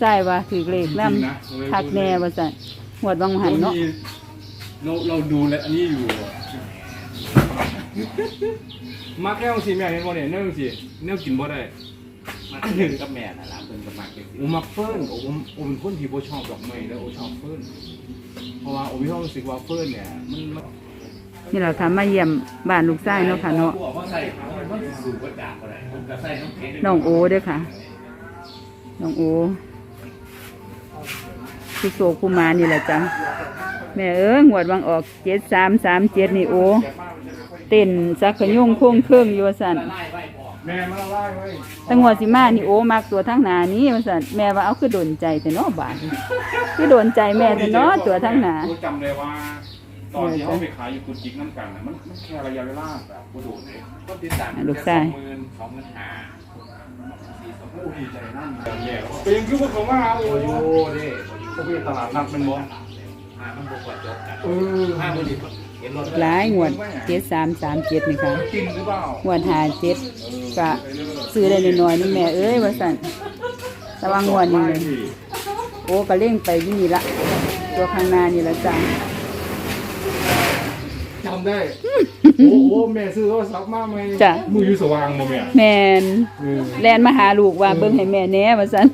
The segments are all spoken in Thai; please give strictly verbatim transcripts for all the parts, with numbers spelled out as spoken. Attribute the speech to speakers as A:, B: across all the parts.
A: ชายว่าถือเลขนำคักแน่ว่าซั่นหวดบางหันเนาะ
B: เราเราดูแลอันนี้อยู่มาแค่องสีแม่เห็นบ่เนี่ยเนื่องสิเนื่องกินบ่ได้
C: มาเล่นกับแม่น่ะล่ะเพิ่นก็มักจังซี่
B: โอ้มักเฟิร์นโอ้ผมผมเป็นคนที่บ่ชอบดอกไม้แล้วโอ้ชอบเฟิร์นเพราะว่าโอ้มีความรู้สึกว่าเฟิร์นเนี่ยมัน
A: นี่แหละค่ะมาเยี่ยมบ้านลูกชายเนาะค่ะเนาะน้องโอเด้อค่ะน้องโอคือโศกผู้มานี่แหละจ้ะแม่เอ้ยหวดวางออกเจ็ดสามสามเจ็ดนี่โอเต้นสักขยุ่งโค้งเครื่องอยู่ว่าสั่น
B: แม่มาไล่ไว้
A: ตั้งหัวสิมานี่โอมากตัวทั้งหนานี้ว่าสั่นแม่ว่าเอาคือโดนใจแต่เนาะบาดคือโดนใจแม่แต่เนาะตัวทั้งหนา
B: จำเลยว่าตอนที่เขาไปขายอยู่กุจิกน้ำกันนะมันแค่ระยะเวลาแบบกูโดดเลยก็ติดตาม
A: ลูกชาย
C: สองหมื่นสองหมื่นห้า
B: โอ้ดีใจนั่นแย่แล้วเป็นคือพวกเขาว่าโอ้ยนี่เขาไปตลาดนัดเป็นบ่
C: ห้ามันบวกจบกัน
B: เออ
C: ห้ามันดีเห็นรถ
A: หลายงวดเจ็ดสามสามเจ็ดนี่ค่ะ
B: กินหรือเปล่าง
A: วดหาเจ็ดก็ซื้อได้น้อยๆนี่แม่เอ้ยว่าสั่นแต่ว่างวดนี้เลยโอ้ก็เล่งไปที่นี่ละตัวข้างหน้านี่ละจ้ะ
B: จำได้โอ้โหแม่ซื้อโทรศัพท์มาไหม
A: จ้ะ
B: มืออยู่สว่างบ่แม่
A: แม่นแลนมาหาลูกว่าเบิ่งให้แม่แหน่ว่าซั่น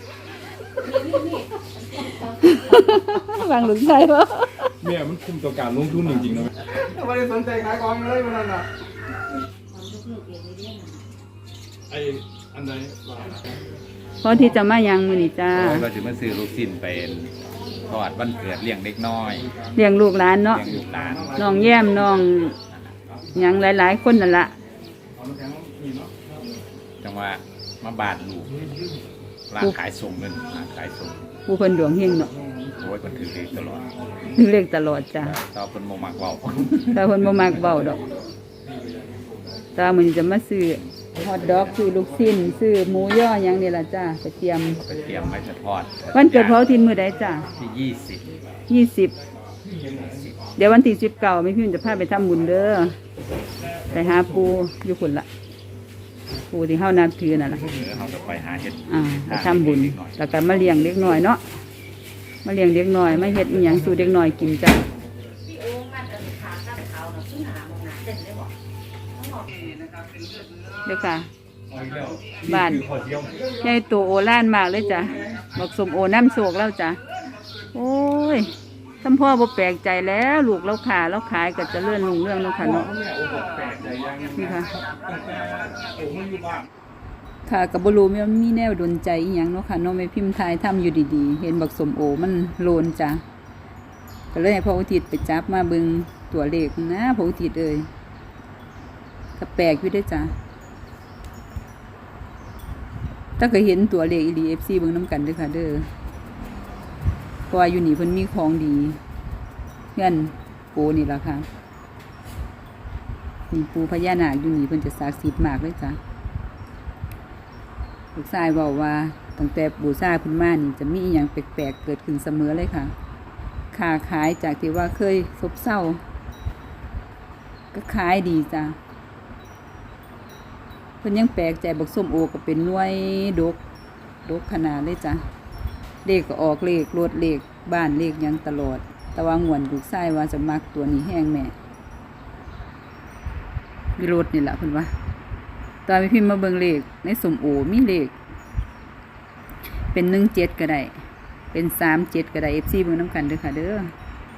A: วางลูกชายบ่
B: แม่มันคุ้มต่อการลงทุนจริงๆนะไม่ได้สนใจขายของเลยมันนั่นน่ะไอ้อันไหน
A: พอที่จะมายังมื้อนี้จ้า
C: เราสิมาซื้อลูกชิ้นเป็นทอดวันเกิดเลี้ยงเด็กน้อย
A: เลี้ยงลูกหลานเนาะ
C: เลี้ยงลูกหลาน
A: น้องแย้มน้องหยังหลายๆคนนั่นล่ะ
C: จังว่ามาบาดลูกร้านขายส่งเงินร้านขายส่ง
A: ผู้เพิ่นดวงเฮงเนาะ
C: โอ้ยคนถือเลขตลอด
A: ถือเลขตลอดจ้ะ
C: ตอนเพิ่นบ่มักเว้า
A: แต่เพิ่นบ่มักเว้าดอกตามื้อนี้จะมาซื้อฮอทดอกซื้อลูกชิ้นซื้อหมูย่อหยังนี่ล่ะจ้ะไปเตรียม
C: ไปเตรียมไว้จะทอด
A: วันเกิดพ่อทินมื้อใดจ้ะ
C: ที่ยี่สิบ
A: ยี่สิบเดี๋ยววันที่สิบเก้าแม่พิมพ์จะพาไปทำบุญเด้อไปหาปู่อยู่พุ่นล่ะปู่ที่เฮานับถือนั่นล่ะ
C: เฮาจะไปหาเฮ็ด
A: อ่าไปทำบุญแล้วก็มาเลี้ยงเด็กน้อยเนาะมาเลี้ยงเด็กน้อยมาเฮ็ดอีหยังสู่เด็กน้อยกินจ้ะเด้อค่ะบ้านใหญ่โตโอฬารมากเลยจ้ะบักสมโอน้ำโศกแล้วจ้ะโอ้ยท่านพ่อบ่แปลกใจแล้วลูกเราขาเราขายก็จะเลื่อนลุงเรื่องแล้วค่ะเนาะนี่ค่ะค่ะกับบรูมันมีแนวดนใจอีหยังเนาะค่ะน้องไม่พิมพ์ทายทำอยู่ดีๆเห็นบักสมโอมันโลนจ้ะก็เลยให้พ่ออุทิศไปจับมาเบิ่งตัวเลขนะพ่ออุทิศเอ้ยก็แปลกอยู่ได้จ้ะถ้าเคยเห็นตัวเลขอี ดี เอฟ ซี เบิ่งน้ำกันเด้อค่ะเด้อเพราะว่าอยู่นี่เพิ่นมีของดีเพื่อนโอนี่ล่ะค่ะนี่ปูพญานาคอยู่นี่เพิ่นจะศักดิ์สิทธิ์มากเลยจ้ะลูกชายบอกว่าตั้งแต่บูชาเพิ่นมานี่จะมีอีหยังแปลกๆเกิดขึ้นเสมอเลยค่ะค้าขายจากที่ว่าเคยซบเซาก็ขายดีจ้ะเพิ่นยังแปลกใจบักส้มโอก็เป็นหน่วยดกดกขนาดเลยจ้ะเลขก็ออกเลขรถเลขบ้านเลขยังตลอดแต่ว่างวนลูกชายว่าจะมักตัวนี้แห้งแม่มีรถนี่แหละเพิ่นว่าตอนไปพิมพ์มาเบิ่งเลขในส้มโอมีเลขเป็นหนึ่งเจ็ดก็ได้เป็นสามเจ็ดก็ได้ เอฟ ซี เบิ่งน้ำกันเด้อค่ะเด้อ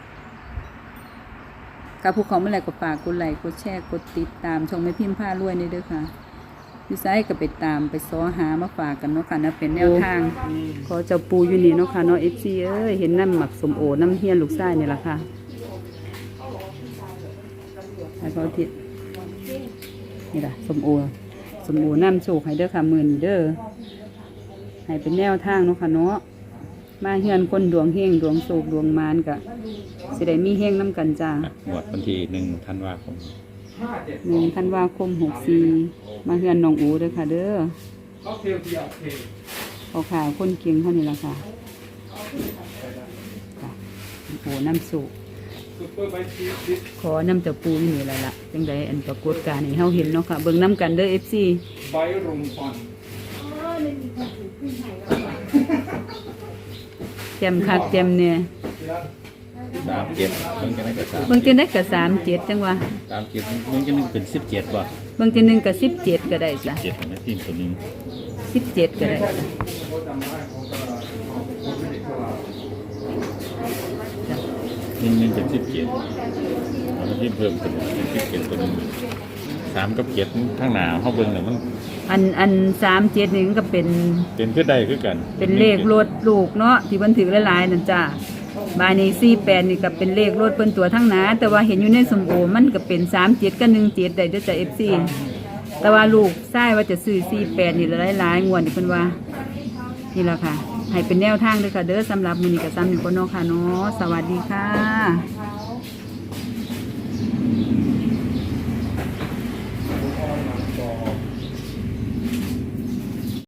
A: กับพวกเขาเมื่อไรก็ฝากกดไลค์กดแชร์กดติดตามช่องแม่พิมพ์ผ้ารวยนี่เด้อค่ะพี่ไซก็ไปตามไปซ้อหามาฝากกันเนาะค่ะนะเป็นแนวทางขอเจ้าปูอยู่นี่เนาะค่ะเนาะ เอฟ ซี เอ้ยเห็นน้ำหมักสมโอน้ำเฮียนลูกไส้นี่แหละค่ะให้เขาทิศนี่แหละสมโอสมโอน้ำโชคให้เด้อค่ะหมื่นเด้อให้เป็นแนวทางเนาะค่ะเนาะมาเฮียนคนดวงเฮงดวงโศกดวงมารกะสิได้มีเฮงน้ำกันจ้า
C: หมดวันที่หนึ่งธันวาคม
A: หนึ่งธันวาคมหกสี่มาเฮือนน้องอูเด้อค่ะเด้อเอาข่าวคนเก่งเท่านี้ละค่ะโอ้น้ำสุกขอน้ำจะปูนี่แหละล่ะจังไดอันปรากฏการณ์ให้เฮาเห็นเนาะค่ะเบิ่งน้ำกันเด้อ เอฟ ซี
B: ใบรุมฟัน
A: แจมคักแจมเนี่ย
C: สามเจ็ดเบิ่งจะได้กับสาม
A: เบิ่งจะได้กับสามเจ็ดจังวะ
C: สามเจ็ดเบิ่งจะนึงเป็นสิบเจ็ดบ่
A: เบิ่งจะหนึ่งกับสิบเจ็ดก็ได้จ้ะ
C: เจ็ดนะทีมตัวหนึง
A: สิบเจ็ดก็ได้
C: หนึ่งหนึ่งเป็นสิบเจ็ดแล้วทีมเพิ่มเป็นสิบเจ็ดตัวหนึงสามกับเจ็ดข้างหน้าเฮาเบิ่งน่ะมัน
A: อันอันสามเจ็ดนี่มันก็เป็น
C: เป็นคือใดคือกัน
A: เป็นเลขรถลูกเนาะที่มันถือหลายๆนั่นจ้ะบายนี้สี่แปดนี่ก็เป็นเลขรถเพิ่นตัวทั้งหนาแต่ว่าเห็นอยู่ในสมโอมันก็เป็นสามเจ็ดกับหนึ่งเจ็ดได้เด้อจ้ะเอฟซีแต่ว่าลูกทรายว่าจะซื้อสี่แปดนี่หลายๆงวดนี่เพิ่นว่านี่แหละค่ะให้เป็นแนวทางเด้อค่ะเด้อสำหรับมื้อนี้ก็ซ้ำหนึ่งคนเนาะค่ะเนาะสวัสดีค่ะ